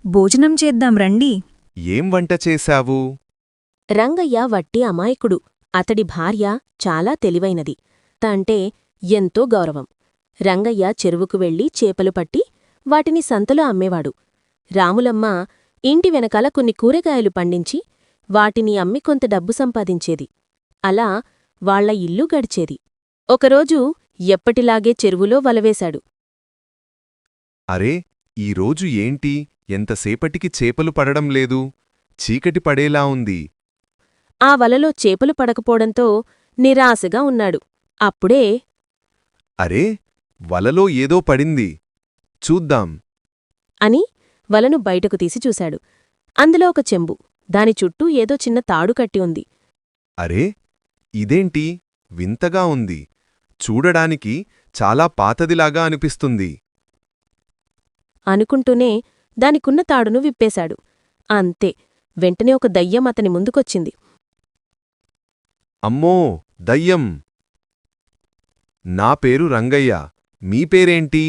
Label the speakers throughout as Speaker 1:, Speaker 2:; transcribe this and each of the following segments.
Speaker 1: భోజనం చేద్దాం రండి.
Speaker 2: ఏం వంట చేశావు?
Speaker 3: రంగయ్య వట్టి అమాయకుడు. అతడి భార్య చాలా తెలివైనది. అంటే ఎంతో గౌరవం. రంగయ్య చెరువుకు వెళ్లి చేపలు పట్టి వాటిని సంతలో అమ్మేవాడు. రాములమ్మ ఇంటి వెనకాల కొన్ని కూరగాయలు పండించి వాటిని అమ్మి కొంత డబ్బు సంపాదించేది. అలా వాళ్ల ఇల్లు గడిచేది. ఒకరోజు ఎప్పటిలాగే చెరువులో వలవేశాడు.
Speaker 2: అరే, ఈరోజు ఏంటి ఎంతసేపటికి చేపలు పడడం లేదు? చీకటి పడేలా ఉంది.
Speaker 3: ఆ వలలో చేపలు పడకపోవడంతో నిరాశగా ఉన్నాడు. అప్పుడే
Speaker 2: అరే, వలలో ఏదో పడింది. చూద్దాం
Speaker 3: అని వలను బయటకు తీసి చూశాడు. అందులో ఒక చెంబు. దాని చుట్టూ ఏదో చిన్న తాడు కట్టి ఉంది.
Speaker 2: అరే, ఇదేంటి వింతగా ఉంది. చూడడానికి చాలా పాతదిలాగా అనిపిస్తుంది.
Speaker 3: అనుకుంటూనే దానికున్న తాడును విప్పేశాడు. అంతే, వెంటనే ఒక దయ్యం అతని ముందుకొచ్చింది.
Speaker 2: అమ్మో, దయ్యం! నా పేరు రంగయ్య. మీ పేరేంటి?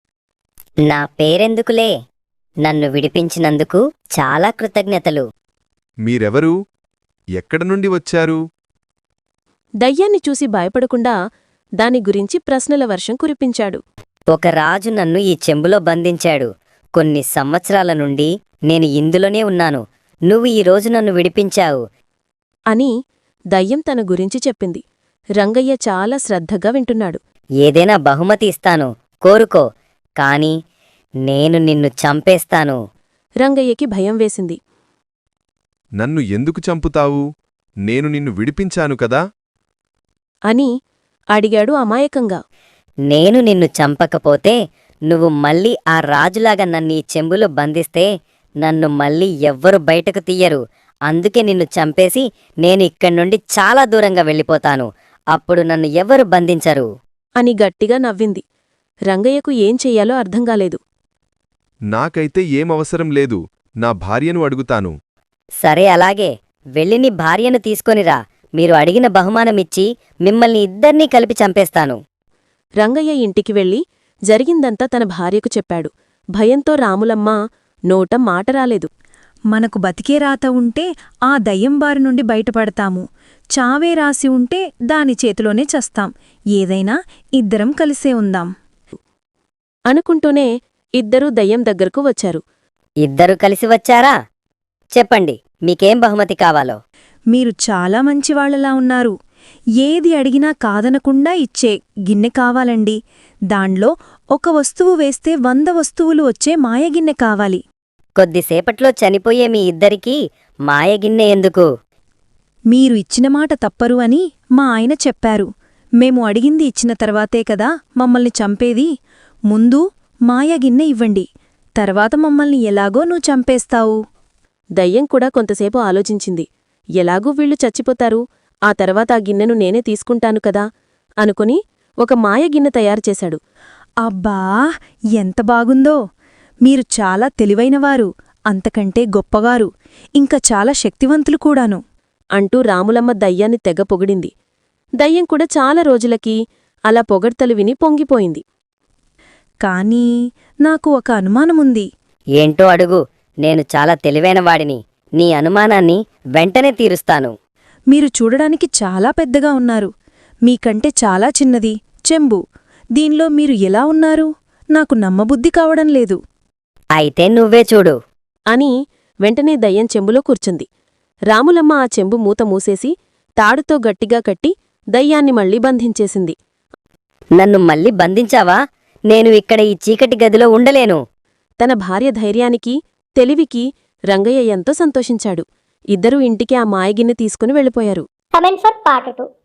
Speaker 4: నా పేరెందుకులే, నన్ను విడిపించినందుకు చాలా కృతజ్ఞతలు.
Speaker 2: మీరెవరు? ఎక్కడ నుండి వచ్చారు?
Speaker 3: దయ్యాన్ని చూసి భయపడకుండా దాని గురించి ప్రశ్నల వర్షం కురిపించాడు.
Speaker 4: ఒక రాజు నన్ను ఈ చెంబులో బంధించాడు. కొన్ని సంవత్సరాల నుండి నేను ఇందులోనే ఉన్నాను. నువ్వు ఈరోజు నన్ను విడిపించావు
Speaker 3: అని దయ్యం తన గురించి చెప్పింది. రంగయ్య చాలా శ్రద్ధగా వింటున్నాడు.
Speaker 4: ఏదైనా బహుమతి ఇస్తాను, కోరుకో. కాని నేను నిన్ను చంపేస్తాను.
Speaker 3: రంగయ్యకి భయం వేసింది.
Speaker 2: నన్ను ఎందుకు చంపుతావు? నేను నిన్ను విడిపించాను కదా?
Speaker 3: అని అడిగాడు అమాయకంగా.
Speaker 4: నేను నిన్ను చంపకపోతే నువ్వు మళ్ళీ ఆ రాజులాగా నన్ను ఈ చెంబులో బంధిస్తే నన్ను మళ్ళీ ఎవ్వరు బయటకు తీయరు. అందుకే నిన్ను చంపేసి నేను ఇక్కడి నుండి చాలా దూరంగా వెళ్ళిపోతాను. అప్పుడు నన్ను ఎవరు బంధించరు
Speaker 3: అని గట్టిగా నవ్వింది. రంగయ్యకు ఏం చెయ్యాలో అర్థంగాలేదు.
Speaker 2: నాకైతే ఏమవసరం లేదు. నా భార్యను అడుగుతాను.
Speaker 4: సరే, అలాగే వెళ్ళి నీ భార్యను తీసుకొనిరా. మీరు అడిగిన బహుమానమిచ్చి మిమ్మల్ని ఇద్దర్నీ కలిపి చంపేస్తాను.
Speaker 3: రంగయ్య ఇంటికి వెళ్లి జరిగిందంతా తన భార్యకు చెప్పాడు. భయంతో రాములమ్మ నోట మాట రాలేదు.
Speaker 1: మనకు బతికే రాత ఉంటే ఆ దయ్యం బారి నుండి బయటపడతాము. చావే రాసి ఉంటే దాని చేతిలోనే చస్తాం. ఏదైనా ఇద్దరం కలిసే ఉందాం
Speaker 3: అనుకుంటూనే ఇద్దరూ దయ్యం దగ్గరకు వచ్చారు.
Speaker 4: ఇద్దరు కలిసి వచ్చారా? చెప్పండి, మీకేం బహుమతి కావాలో.
Speaker 1: మీరు చాలా మంచివాళ్లలా ఉన్నారు. ఏది అడిగినా కాదనకుండా ఇచ్చే గిన్నె కావాలండి. దాన్లో ఒక వస్తువు వేస్తే 100 వస్తువులు వచ్చే మాయగిన్నె కావాలి.
Speaker 4: కొద్దిసేపట్లో చనిపోయే మీ ఇద్దరికీ మాయగిన్నె ఎందుకు?
Speaker 1: మీరు ఇచ్చిన మాట తప్పరు అని మా ఆయన చెప్పారు. మేము అడిగింది ఇచ్చిన తర్వాతే కదా మమ్మల్ని చంపేది. ముందు మాయగిన్నె ఇవ్వండి, తర్వాత మమ్మల్ని ఎలాగో నువ్వు చంపేస్తావు.
Speaker 3: దయ్యం కూడా కొంతసేపు ఆలోచించింది. ఎలాగూ వీళ్లు చచ్చిపోతారు, ఆ తర్వాత ఆ గిన్నెను నేనే తీసుకుంటాను కదా అనుకుని ఒక మాయగిన్నె తయారుచేశాడు.
Speaker 1: అబ్బా, ఎంత బాగుందో! మీరు చాలా తెలివైనవారు, అంతకంటే గొప్పవారు, ఇంకా చాలా శక్తివంతులు కూడాను
Speaker 3: అంటూ రాములమ్మ దయ్యాన్ని తెగ పొగిడింది. దయ్యం కూడా చాలా రోజులకి అలా పొగడ్తలు విని పొంగిపోయింది.
Speaker 1: కానీ నాకు ఒక అనుమానముంది.
Speaker 4: ఏంటో అడుగు. నేను చాలా తెలివైనవాడిని. నీ అనుమానాన్ని వెంటనే తీరుస్తాను.
Speaker 1: మీరు చూడడానికి చాలా పెద్దగా ఉన్నారు. మీకంటే చాలా చిన్నది చెంబు. దీనిలో మీరు ఎలా ఉన్నారు? నాకు నమ్మబుద్ధి కావడం లేదు.
Speaker 4: అయితే నువ్వే చూడు
Speaker 3: అని వెంటనే దయ్యం చెంబులో కూర్చుంది. రాములమ్మ ఆ చెంబు మూత మూసేసి తాడుతో గట్టిగా కట్టి దయ్యాన్ని మళ్లీ బంధించేసింది.
Speaker 4: నన్ను మళ్ళీ బంధించావా? నేను ఇక్కడ ఈ చీకటి గదిలో ఉండలేను.
Speaker 3: తన భార్య ధైర్యానికి, తెలివికి రంగయ్య ఎంతో సంతోషించాడు. ఇద్దరూ ఇంటికి ఆ మాయగిన్నె తీసుకుని వెళ్ళిపోయారు.
Speaker 5: Comment for part 2.